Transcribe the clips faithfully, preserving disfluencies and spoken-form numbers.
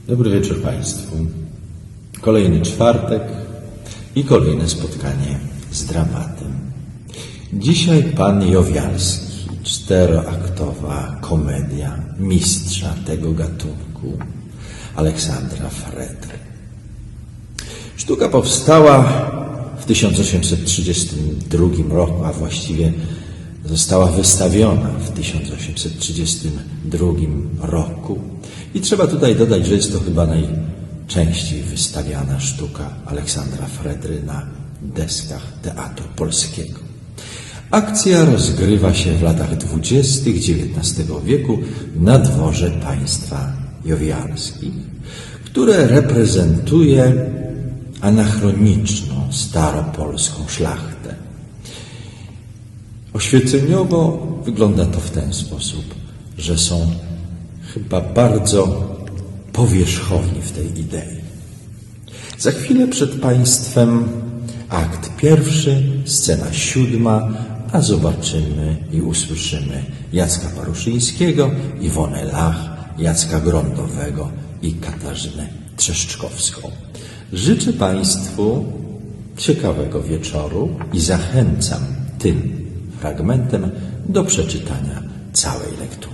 Dobry wieczór Państwu. Kolejny czwartek i kolejne spotkanie z dramatem. Dzisiaj Pan Jowialski, czteroaktowa komedia mistrza tego gatunku, Aleksandra Fredry. Sztuka powstała w tysiąc osiemset trzydziestym drugim roku, a właściwie została wystawiona w tysiąc osiemset trzydziestym drugim roku. I trzeba tutaj dodać, że jest to chyba najczęściej wystawiana sztuka Aleksandra Fredry na deskach Teatru Polskiego. Akcja rozgrywa się w latach dwudziestych dziewiętnastego wieku na dworze państwa Jowialskich, które reprezentuje anachroniczną, staropolską szlachtę. Oświeceniowo wygląda to w ten sposób, że są chyba bardzo powierzchowni w tej idei. Za chwilę przed Państwem akt pierwszy, scena siódma, a zobaczymy i usłyszymy Jacka Paruszyńskiego, Iwonę Lach, Jacka Grondowego i Katarzynę Trzeszczkowską. Życzę Państwu ciekawego wieczoru i zachęcam tym fragmentem do przeczytania całej lektury.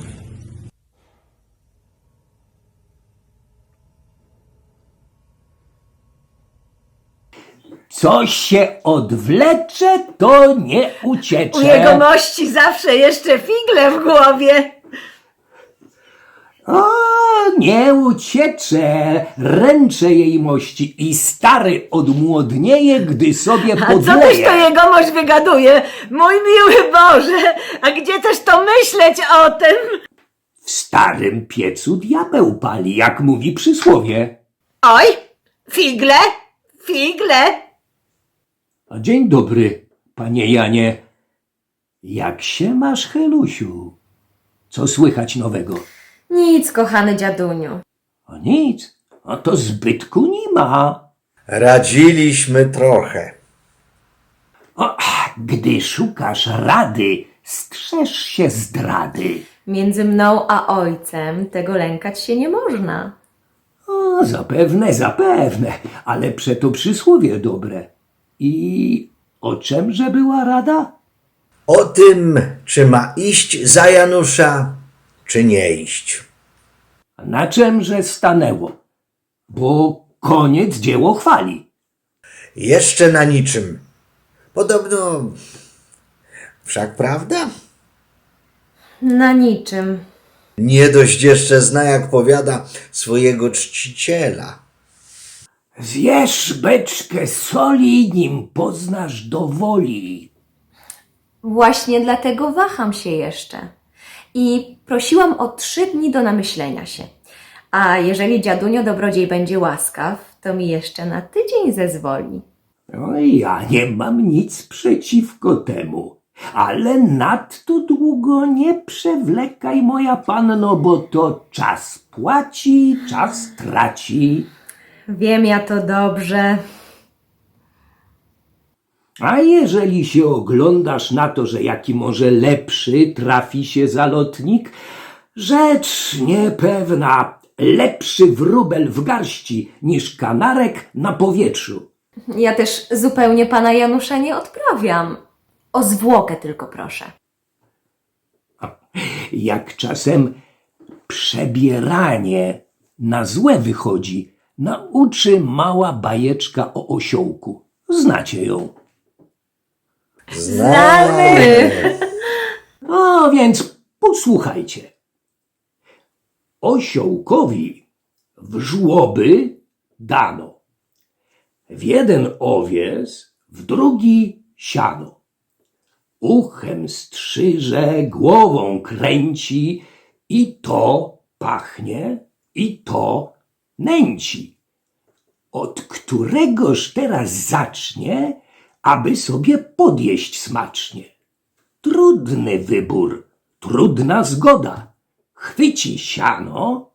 Co się odwlecze, to nie uciecze. U jegomości zawsze jeszcze figle w głowie. O, nie uciecze, ręczę jej mości i stary odmłodnieje, gdy sobie A co też to podleje. jegomość wygaduje? Mój miły Boże, a gdzie też to myśleć o tym? W starym piecu diabeł pali, jak mówi przysłowie. Oj, figle, figle. A dzień dobry, panie Janie. Jak się masz, Helusiu? Co słychać nowego? Nic, kochany dziaduniu. A nic, a to zbytku nie ma. Radziliśmy trochę. O, gdy szukasz rady, strzeż się zdrady. Między mną a ojcem tego lękać się nie można. O, zapewne, zapewne, ale przeto przysłowie dobre. I o czemże była rada? O tym, czy ma iść za Janusza, czy nie iść. Na czemże stanęło? Bo koniec dzieło chwali. Jeszcze na niczym. Podobno... Wszak prawda? Na niczym. Nie dość jeszcze zna, jak powiada, swojego czciciela. Zjesz beczkę soli, nim poznasz do woli. Właśnie dlatego waham się jeszcze. I prosiłam o trzy dni do namyślenia się. A jeżeli dziadunio dobrodziej będzie łaskaw, to mi jeszcze na tydzień zezwoli. No i ja nie mam nic przeciwko temu. Ale nadto długo nie przewlekaj, moja panno, bo to czas płaci, czas traci. Wiem ja to dobrze. A jeżeli się oglądasz na to, że jaki może lepszy trafi się zalotnik, rzecz niepewna, lepszy wróbel w garści niż kanarek na powietrzu. Ja też zupełnie pana Janusza nie odprawiam. O zwłokę tylko proszę. Jak czasem przebieranie na złe wychodzi, nauczy mała bajeczka o osiołku. Znacie ją. Znamy! No więc posłuchajcie. Osiołkowi w żłoby dano. W jeden owies, w drugi siano. Uchem strzyże, głową kręci i to pachnie, i to nęci. Od któregoż teraz zacznie, aby sobie podjeść smacznie? Trudny wybór, trudna zgoda. Chwyci siano,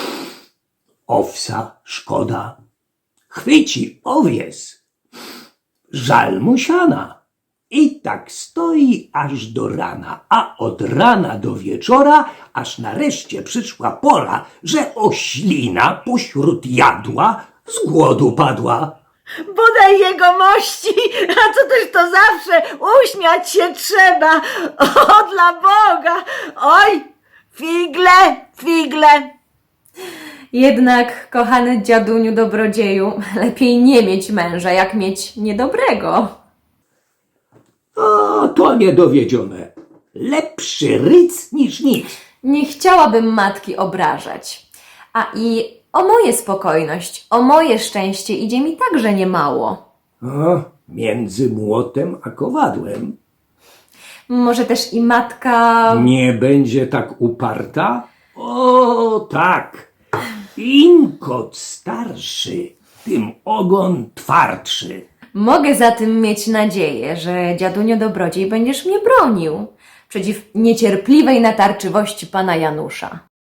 owsa szkoda. Chwyci owies, żal mu siana. I tak stoi aż do rana, a od rana do wieczora, aż nareszcie przyszła pora, że oślina pośród jadła z głodu padła. Bodaj jego mości, a co też to zawsze, uśmiać się trzeba. O, dla Boga! Oj, figle, figle! Jednak, kochany dziaduniu dobrodzieju, lepiej nie mieć męża, jak mieć niedobrego. O, to niedowiedzione. Lepszy ryc niż nic. Nie chciałabym matki obrażać. A i o moje spokojność, o moje szczęście idzie mi także niemało. O, między młotem a kowadłem. Może też i matka... Nie będzie tak uparta? O, tak. Im kot starszy, tym ogon twardszy. Mogę zatem mieć nadzieję, że dziadunio dobrodziej będziesz mnie bronił przeciw niecierpliwej natarczywości pana Janusza.